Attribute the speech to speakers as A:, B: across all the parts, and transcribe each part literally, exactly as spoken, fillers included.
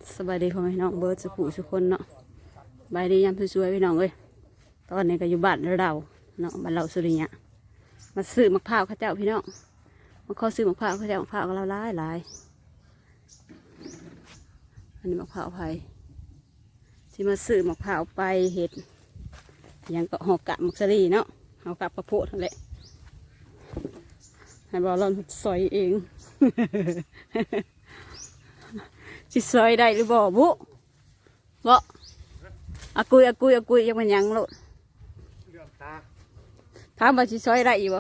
A: สบายดีพ่อแม่พี่น้องเบิร์ดสุขุสุคนเนาะสบายดียามสวยๆพี่น้องเอ้ยตอนนี้ก็อยู่บ้านเราเนาะบ้านเราสุริยะมาซื้อมะพร้าวข้าเจ้าพี่น้องมาขอซื้อมะพร้าวข้าเจ้ามะพร้าวก็เราหลายหลายอันนี้มะพร้าวไผ่ที่มาซื้อมะพร้าวไปเห็ดยังก็หอกกะมักซรีเนาะหอกกะประโพดนั่นแหละให้บอกเราซอยเอง สิซอยได้หรือบ่บุบ่อากุยอากุยอากุยยังมันยังโลดถามว่าสิซอยได้อีบ่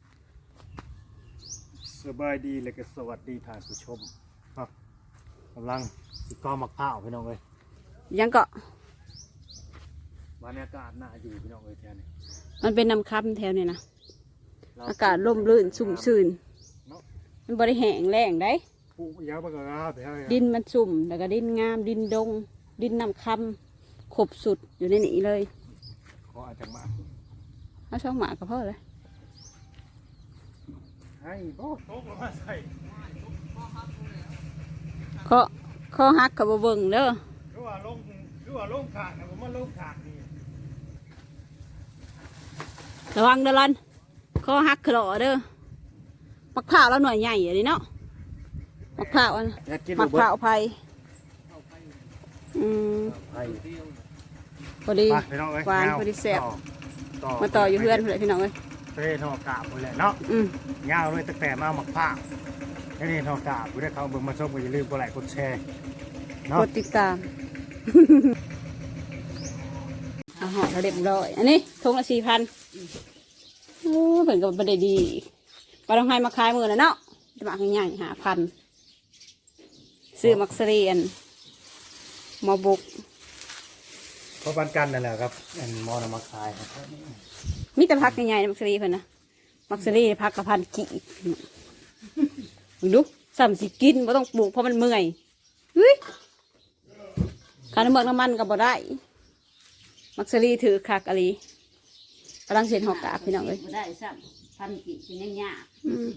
B: สบายดีเลยก็สวัสดีท่านผู้ชมครับกำลังสิก้อมักข้าวพี่น้องเลย
A: ยังก็
B: บรรยากาศน่าอยู่พี่น้องเลยแถวนี้
A: มันเป็นน้ำค้ำแถวนี้นะอากาศร่มรื่นชุ่มชื่นมันบริแห้งแรงได้
B: ปลูกยาวมากกว่าแถวนี้
A: ดินมันชุ่มแล้วก็ดินงามดินดง ดินน้ำค้ำขบสุดอยู่ในนี้เลย
B: ขออาจจะมา
A: เอาช่องหมาก็พอเลย
B: ให้บ่โต๊ะมาใส่
A: ข้อข้อหักกับเบิ่งเด้อ
B: หรือว่าลงหรือว่าลงขากนะผมว่าลงขากนี่
A: ระวังเด้อลันข้อหักขลอเด้อมะพร้าวแล้วหน่วยใหญ่อย่างนี้เนาะมะพร้าวอันมะพร้าวไผ่อืม
B: ไผ่
A: พอดี
B: ไปพี่น้องเอ้ย
A: หวาน
B: แนว
A: พอดีแซ่บ
B: ต่อ
A: มาต่ออยู่เพื่อนเลยพี่น้องเอ้ย
B: เต้ทอกาบหมดแหละเนาะ
A: อืม
B: ยาวเลยตั้งแต่มาหมักผ้าแล้วนี่ทอกาบผู้ได้เขาเบิ่งมาชมก็อย่าลืมกดไลค์กดแชร์เนาะ
A: กดติดตาม อาหารเราเรียบร้อยอันนี้ทงละสี่พันโอ้เพิ่นก็บ่ได้ดีปลาต้องให้มาขายมือนะเนาะจะมาง่ายๆหาพันซื้อมักซเรียนหมอบุก
B: เพราะปันกันนั่นแหละครับอันมอนำมาขายครับ
A: มีแต่พักง่ายๆมักซเรียเพิ่นนะมักซเรียพักกับพันกี่มึงดูซ้ำสิกินบ่ต้องปลูกเพราะมันเมื่อยเฮ้ยค่าน้ำมันน้ำมันก็บ่ได้มักซเรียถือคักอะไรกำลังเสียนหอกกาบพี่น้องเลย
C: ได้ซ้ำพันกี่เป็นยังยาก
A: อืม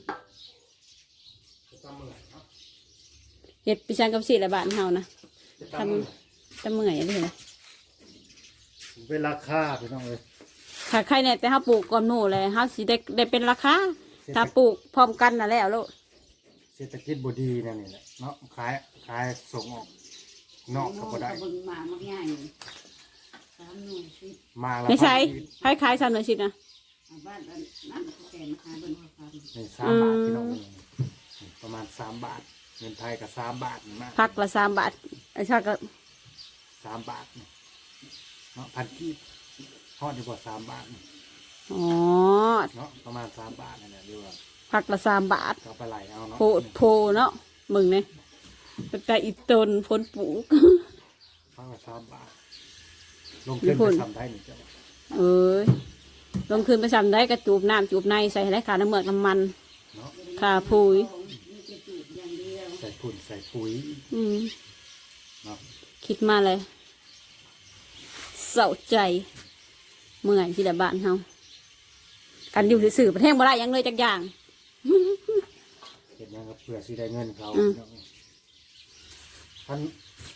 A: เห็ดปีชังกับสีละบาทเฮานะทำทำเมื่อยอะไรเลย
B: เป็นราคาพี่น้องเลย
A: ขาใครเนี่ยแต่เฮาปลูกก่อนหมู่เลยเฮาสิได้ได้เป็นราคาถ้าปลูกพร้อมกันน่ะแล้วลูก
B: เศรษฐกิจบดีนั่นนี่แหละเนาะขายขายส่งออกนอกก็บ่ได้
C: เบิ่งมามักง่ายสามหน่วยสิ
B: มาแล้ว
A: ไม่ใช่คล้ายๆสามหน่วยสิบนะ
C: เอาบ้านอันนั่นแกมาหาเบิ่งว่าความ
B: นี่สามบาทพี่น้องเลยประมาณสามบาทเงินไทยกับสามบาทนี่มาก
A: พักละสามบาทไอ้ชาก็
B: สามบาทนี่เนาะพันกีบทอดดีกว่าสามบาทนี่
A: อ๋อ
B: เนาะประมาณสามบาทนั่นแหละเรียกว่า
A: พักละสามบาท
B: ก็ไปไหลเอาเนาะ
A: โพโพเนาะมึงเนี่ยแต่อีตนพ้นปลูก
B: พันละสามบาทลงทุนไปทำได้หนึ่งจ้ะ
A: เอ้ยลงคืนไปทำได้กระจูบน้ำจูบในใส่ไรขาน้ำเมือกน้ำมัน
B: เนาะ
A: ขาพุย
C: มีแต่จูบอย่างเดียว
B: ใส่ฝุ่นใส่ปุ๋ย
A: อืม
B: เนาะ
A: คิดมาเลยเศร้าใจเมื่อยที่ละบ้านเฮากันอยู่สื่อประเทศบ่ได้หยังเลยจักอย่าง
B: เห็นยังครับเผื่อสิได้เงินเขา
A: อืม
B: เนาะท่าน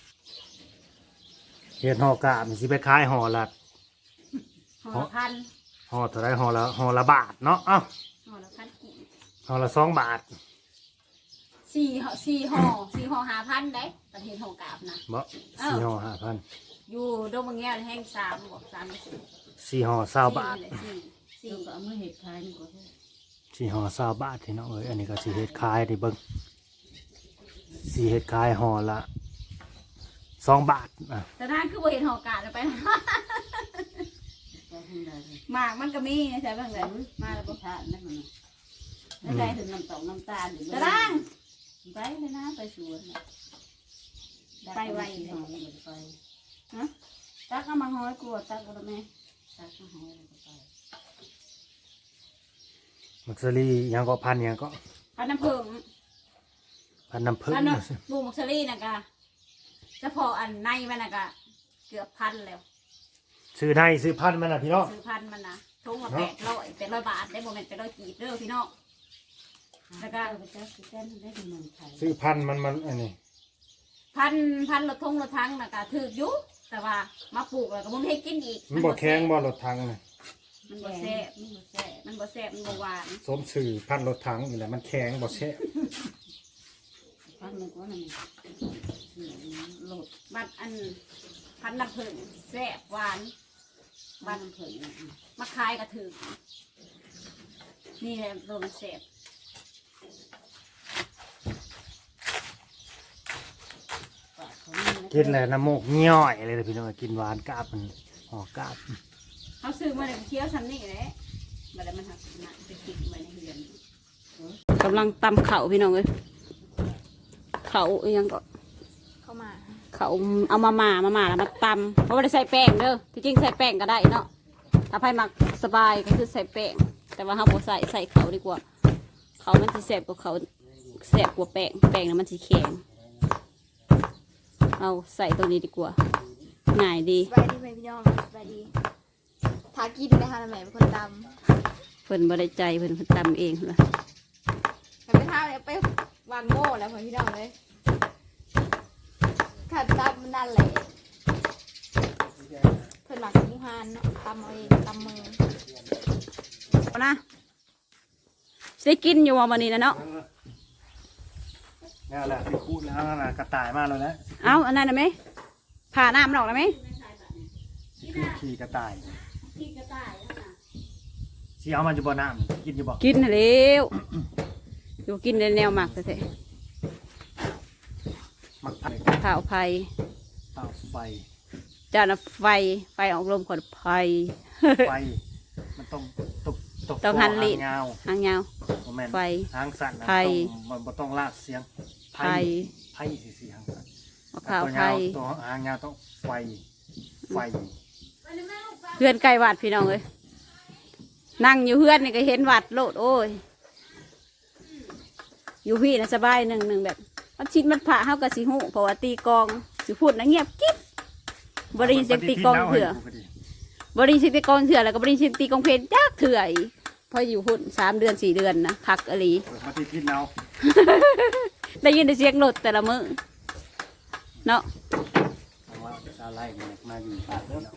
B: เห็ดห่อกาบมันสิไปขายห่อละ
A: ห่อพัน
B: ห่อเท่าไรห่อละห่อละบาทเนาะเอ้า
A: ห่อละพันกี่
B: ห่อละสองบาท
A: สี่ห่อสี่ห่อสี่ห่อหาพันได้ประเทศห่อกาบนะ
B: บ่สี่ห่อห้าพัน
A: อยู่ดงบางแง่แห้งสามบอกสามไม่สิบ
B: สี่ห่อเศร้าบาท
A: สี่สี่
C: ซึ่งก็เอามือเห็ดขายนี่ก็ได้
B: สี่ห่อเศร้าบาทที่น้องเอ้ยอันนี้ก็สี่เห็ดขายดิเบิ้งสี่เห็ดขายห่อละสองบาทอ่ะ
A: แต่นั่นคือบ่เห็นห่อกาบแล้วไปนะ
C: ก็ทำได้เลย
A: หมากมันก็มีใช่บ้างเลยมาแล้ว
C: บ่
A: บ่
C: ทานนั่นมันแล้วได้ถึงน้ำตกน้ำตาลอยู่
A: ตะล่าง
C: ไปเลยนะไปสวนน่ะ
A: ไปไว
C: เลยไป
A: ฮะตักเอามาห้อยกลัวตักเอาแล้วแม่
C: ตักมาหอยแล้วก็ไป
B: มักซรี่ยังก็พันยังก็
A: พันน้ำผึ้ง
B: พันน้ำผึ้ง
A: พันน้ำปลูกมักซรี่นะกะเฉพาะอันในมันนะกะเกือบพันแล้ว
B: ซื้อในซื้อพันมันนะพี่น้อง
A: ซื้อพันมันนะทุ่งละแปดร้อยแปดร้อยบาทได้โมเมนต์แปดร้อยกีบเด้อพี่น้อง
C: แล้วก็ไปจับสิแจ้นได้ถึงเมืองไทย
B: ซื้อพันมันมันอันนี้
A: พั
C: พันพันรถทงรถทั้งน่ะก็ถืออยู่แต่ว่ามาปลูกแล้วก็บ่มีให้กินอีก
B: มันบ่แข็งบ่รถถังน่ะ
C: มันบ่แซ่บมันบ่แซ่บมันบ่แซ่บมันบ่หวาน
B: สมสื่อพันรถถังนี่แหละมันแข็งบ่แซ่บ
C: พันหนึงก็นั่นโหลดบัดอันพันน้ำผึ้งแซ่บหวานบัดน้ำผึ้งมาขายก็ถือนี่แหละโดนแซ่บ
B: กินแล้วน้ำมูกย่อยเลยพี่น้องกินหวานกาบมันหอกาบ
C: เขาซื้อมาเลยเคี้ยวซ้ำนี่แหละบัดแล้วมันหักหนักไปติดไว้ในเรือน
A: กำลังตำเข่าพี่น้องเลยเข่าอีหยังก็
D: เข้ามา
A: เขาเอามาหมามาหมาแล้วมาตำเพราะว่าได้ใส่แป้งเด้อที่จริงใส่แป้งก็ได้เนาะถ้าใครมักสบายก็คือใส่แป้งแต่ว่าเขาบ่ใส่ใส่เขาดีกว่า เขามันจะแสบกว่าเขาแสบกว่าแป้งแป้งนะมันจะแข็งเอาใส่ตัวนี้ดีกว่าง่ายดี
D: สบายดีไหมพี่น้องสบายดีทากินนะคะแม่เป็นคนต
A: เพิ่นบ่ได้ใจเพิ่นเพิ่นตำเองเหรอ
D: ำแต่ไปท่าเนี่ยไปวางโม่แล้วพี่น้องเลยขัดตำมันนั่นแหละเพิ่นหมักหมูฮานเนาะตำเอาเองตำมือ
A: เอานะสิได้กินอยู่ว่าวันนี้นะเนาะ
B: นี่แหละสิคูดแล้วนั่นน่ะกระต่ายมาแล้วนะ
A: เอาอันนั้นนะไหมผ่าน้ำมันออกแล้วไหม
B: สิคือขี่กระต่าย
C: ที่กระต่ายนั่นน่ะ
B: สิเอามันอยู่บ่น้ำกินอยู่บ่
A: กินน่ะแล้วอยู่กินในแนวหมักเถอะ
B: มักไผ่
A: ข้าวไผ่
B: เตาไฟ
A: จานไฟไฟออกลมขดไผ่
B: ไฟมันต้องตกตก
A: ต้องหันลิ้น
B: หางยาว
A: หางยาว
B: บ่แม่น
A: ไฟ
B: หางสั่นนะ
A: ไผ่
B: ต้องมันบ่ต้องลากเสียง
A: ไผ่
B: ไผ่สิสิหางสั่น
A: มะพร้าว
B: ตัว
A: ไผ่
B: ยาวตัวหางยาวต้องไฟไฟ
A: เพื่อนไก่วัดพี่น้องเลยนั่งอยู่เพื่อนนี่ก็เห็นวัดโลดโอ้ยอยู่พี่นะสบายหนึ่งหนึ่งแบบมันชิดมันผ่าเข้ากับสีหูเพราะว่าตีกลองสิพูดนะเงียบกิ๊บบริเสียงตีกลองเถื่อบริเสียงตีกลองเถื่อแล้วก็บริเสียงตีกลองเพลงจักเถื่อยพออยู่หุ่นสามเดือนสี่เดือนนะคักอหลี
B: เปิดมาติดพิษเอา
A: ได้ยินแต่เสียงรถแต่ละมือเนาะ
B: เพราะว่าชาวไร่เนี่ยมาอยู่ป่าเด้อ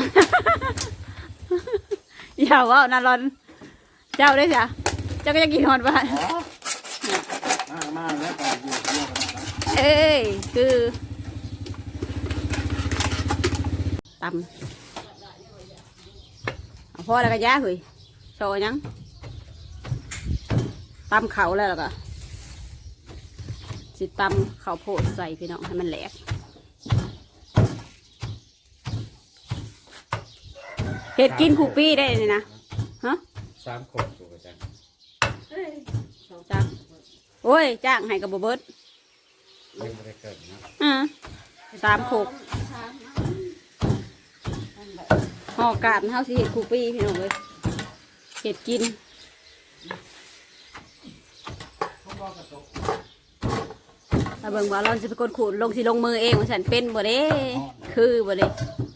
A: อย่าว่านาร้อนเจ้าได้จ้ะเจ้าก็จะกินหอนบ้าน
B: มามาแล้วก็อยู่เที่ยวกันนะครับ
A: เอ้ยคือตำเอาพ่อแล้วก็ย่าเฮ้ยโชว์ยังตำเขาแล้วแล้วก็สิตำข้าวโพดใส่พี่น้องให้มันแหลกเห็ดกินคูปี้ได้เลยนะฮะ
E: สามคนถูกจัง
A: จ้างโอ้ยจ้างให้กับบ่เบิด
E: ยังไม่ได้เกิดนะ
A: อ่าสามโขกห่อกาดเฮาสิเห็ดคูปี้พี่น้องเลยเห็ดกินถ้าเบิ่งว่าเราจะเป็นคนขูดลงสิลงมือเองว่าฉันเป็นบ่เด้คือบ่เด้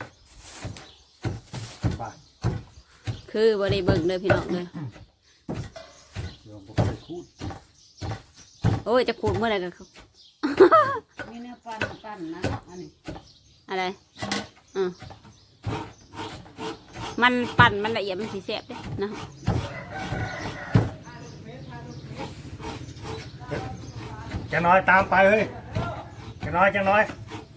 B: ป่า
A: คือบ่ได้เบิ่งเลยพี่น้องเลย
B: เดี๋ยวผมไปคูด
A: โอ้ยจะขูดเมื่อไหร่กัน
C: มีเนื้อปั้นปั้นนะอันนี้
A: อะไรอ่ามันปั่นมันละเอียดมันสีแสบเด้นะ
B: จะน้อยตามไปเฮ้ยจะน้อยจะน้อย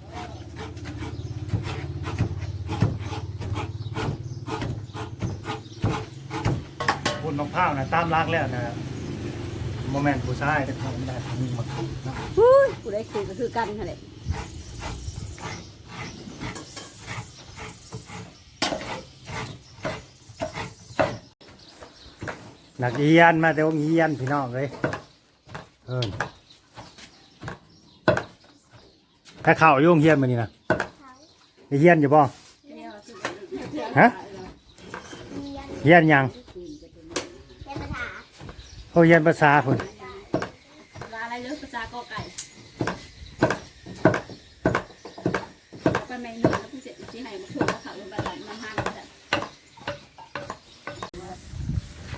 B: คุณน้องพ้าวนะตามรักแล้วนะโมเมนต์ผู้ชายแต่เขาไม่ได้ทำมาคุดนะ
A: ฮู้ยกูได้ขูดก็คือกันนั่นแหละ
B: นักเรียนมาแต่ว่าเรียนพี่น้องเลยเออถ้าเข่าโยงเฮียนมานี่นะได้เฮียนอยู่ป่ะฮะเฮียนยัง
D: เรียนภาษา
B: เขาเฮียนภาษาคน
C: ภาษาอะไรเลือกภาษากอไก่ไปไม่หนึ่งแล้วพี่เจ๊ที่ให้มาถูกเขาลงไปหลังน้ำห้างก็ได้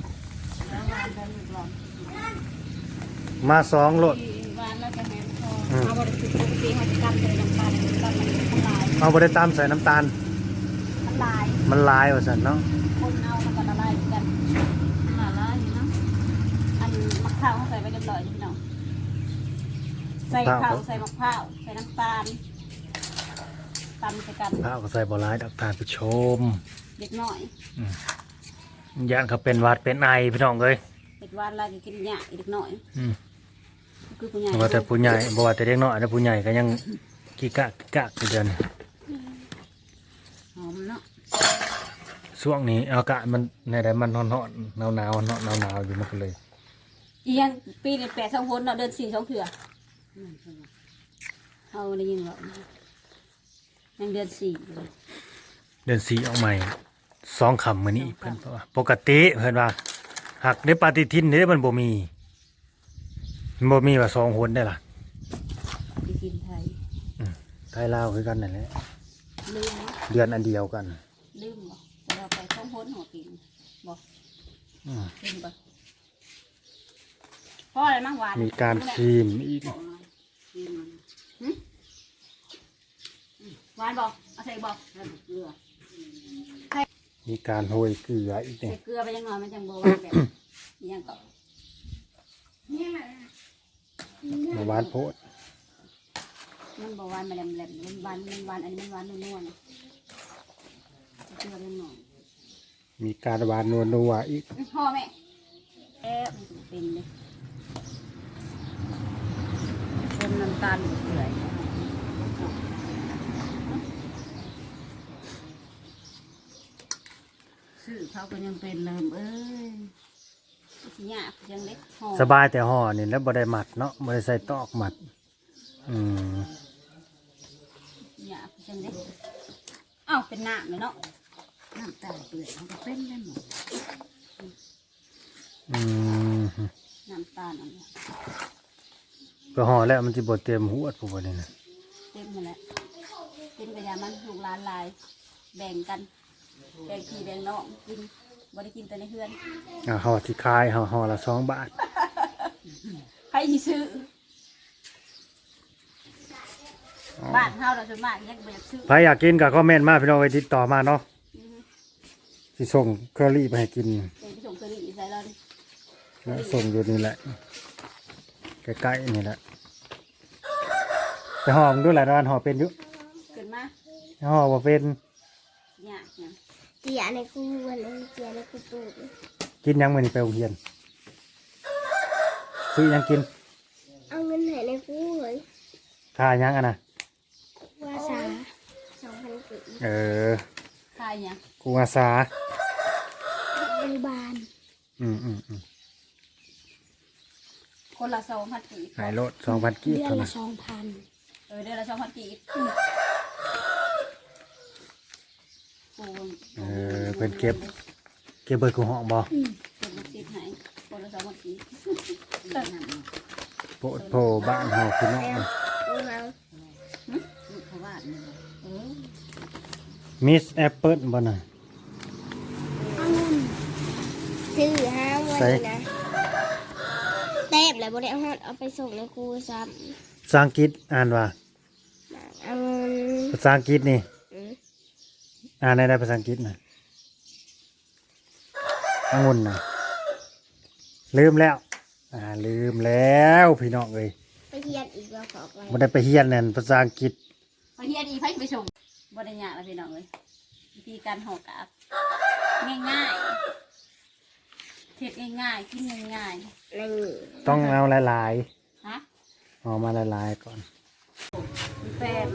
B: มาสองโหลด
C: วานแล้วก็แหนมทอง
B: ออืม
C: เอาบริสุทธิ์ปกติเขาจะกันเลยน้ำตาลน้ำตาลมันละลาย
B: เอาบ่ได้ตามใส่น้ำตาล
C: ละลาย
B: มันลายว่าซั่นเนาะ
C: คนเอามันก็ละลายเหมือนกันละลายอยู่เนาะอันมะพร้าวเขาใส่ไปเรียบร้อยพี่น้องใส่ข้าวใส่มะพร้าวใส่น้ำตาลตำใส่กัน
B: ข้าวก็ใส่บ่หลายดอกทานผู้ชม
C: เด็กน้อย
B: ย่านเขาเป็นหวัดเป็นไอพี่น้องเอ้ย
C: เด็กวานลายกินหญ้าเด็กน้อย
B: อืม
C: คือผู้ใหญ่
B: บ่ว่าแต่ผู้ใหญ่บ่ว่าแต่เด็กน้อยแต่ผู้ใหญ่ก็ยังกิกะกิกะอยู่เดือน
C: หอมเนาะ
B: ช่วงนี้อากาศมันในใดมันร้อนๆหนาวๆเนาะหนาวๆอยู่มันก็เลย
C: อีหยังปีนี้แปดสองคนเนาะเดินสี่สองเถื่อเอาได้ยินหรอยังเดือนสี่อยู่เลย
B: เดือนสี่ออกใหม่สองคำมื้อนี้เพิ่นว่าปกติเพิ่นว่าหักในปฏิทินนี่มันบ่มีมันบ่มีว่าสองหนได้ล่ะ
C: ไปกินไทย
B: ไทยลาวคือกันนั่นแหละ
C: ลืมเนาะ
B: เดือนอันเดียวกัน
C: ลืมบ่เราไปท่องพ้นหัวปีนบอก
B: อืม
C: ลืมบ่เพราะอะไรมั่งหวาน
B: มีการชิมอีก
C: บอกหน่อยชิมมันหึอืมหวานบอกเอาใส่บอกแล้วเกลือ
B: มีการโรยเกลืออีก
C: ใส่
B: เนี่ย
C: เกลือไปยังหน่อยมันจังโบหวานแบบอีหยังก็
B: มาหวานโพด
C: มันโบหวานมาแหลมแหลมมันหวานมันหวานอันนี้มันหวานนุ่นๆใส่เกลือไปหน่อย
B: มีการหวานนัวๆอีก
C: พ่อแม่เอ๊ะมันเป็นเลยคนน้ำตาลเกลือซื้อเขาก็ยังเป็นเริ่มเอ้ยสิยากยังเล็กห่อ
B: สบายแต่ห่อนี่แล้วบ่ได้หมัดเนาะบ่ได้ใส่ตอกหมัด อืม
C: ยากยังเล็กเอ้าเป็นน้ำเลยเนาะน้ำตาลเกลือมันก็เป็นได้หมด
B: อืม
C: น้ำตาลอันเนี้ย
B: ก็ห่อแล้วมันสิบ่เต็มหัวผู้บ่นี่นะ
C: เต็มหมดแล้วกินกระยามันลูกหลานหลาย แบ่งกันแบ่งพี่แบ่งน้องกินบ่ได้กินแต่ในเฮือน
B: อ่าห่อที่ขายห่อห่อละสองบาท
C: ใครสิซื้อบ้านเฮาเราส่วนมากยังบ่อยากซื้อ
B: ใครอยากกินก็คอมเมนต์มาพี่น้องไปติดต่อมาเนาะสิส่งเคอรี่ไปให้กิน
C: เป็นผู้ชมเคยได้ยินใส่เราดิ
B: แล้วส่งอยู่นี่แหละใกล้ๆนี่แหละไปห่อมนด้วยหลายร้านห่อเป็นอยู่
C: เกิดมา
B: ห่อบ่เป็น
C: ยากเนี่ย
D: เจียในกูวันนี้เจียในกูตูด
B: กินยังมื้อนี้ไปโรงเรียนซื้อยังกิน
D: เอาเงินไหนในกูเฮ้ย
B: ค่ายังอ่ะนะ
D: ว่าสาสองพันกี
B: เออ
C: ทายเนี่ย
B: กูอาสา
D: บริบาล
B: อืมอืมอืม
C: คนละสองพันกีบ
B: หายโลดสองพันกีบ
D: เดือน
B: เท่า
D: ละ
B: นั้น
D: สองพัน
C: เออเดือนละสองพันกีบปู
B: เออเป็นเก็บ เก็บเบิดกูห้องบ่
C: เป็นลูกศิษย์ให้คนละสองพันกีบ
B: โปะโผบ้านเฮาพี่น้อง
D: เอาเอา
C: ลูกเขาว่าเนี่ยเออ
B: มิสแอปเปิลบ่น่ะ
D: เอาเงินซื้อห้าไว้
B: ใส่
D: นะเต็บแล้วบริเอาเอาไปส่งในกูซ้
B: ภาษาอังกฤษอ่านว่า
D: ำเอาเงิน
B: ภาษาอังกฤษนี่
D: อืม
B: อ่านได้ได้ภาษาอังกฤษน่ะองุ่นน่ะลืมแล้ว อ่าลืมแล้วพี่น้องเอ้ย
D: ไปเทียนอีกแล้วขอไป
B: บ่ได้ไปเรียนนั่นภาษาอังกฤษ
C: พอเฮียดีไพ่ไปส่งบริญญาแล้วพี่น้องเลยวิธีการห่อกาบง่ายๆเทศง่ายๆกินง่าย
D: นี่
B: ต้องเอาหลาย
C: ๆฮะ
B: ๆเอามาหลายๆก่อน
C: แฟน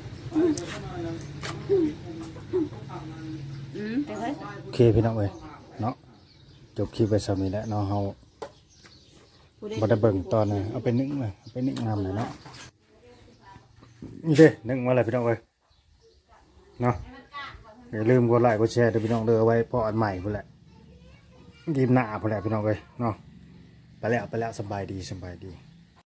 C: อืมไปเลย
B: โอเคพี่น้องเอ้ยเนาะจบคลิปไปสำนี้แล้วเนาะเฮาบ่ได้เบิ่งตอนน่ะเอาไปนึ่งเลยเอาไปนึ่งน้ำหน่อยเนาะนี่เด้นึ่งมาเลยพี่น้องเอ้ยเนาะอย่าลืมกดไลค์กดแชร์เด้อพี่น้องเด้อเอาไว้พออันใหม่พุ่นแหละกินหน้าพุ่นแหละพี่น้องเอ้ยเนาะไปแล้วไปแล้วสบายดีสบายดี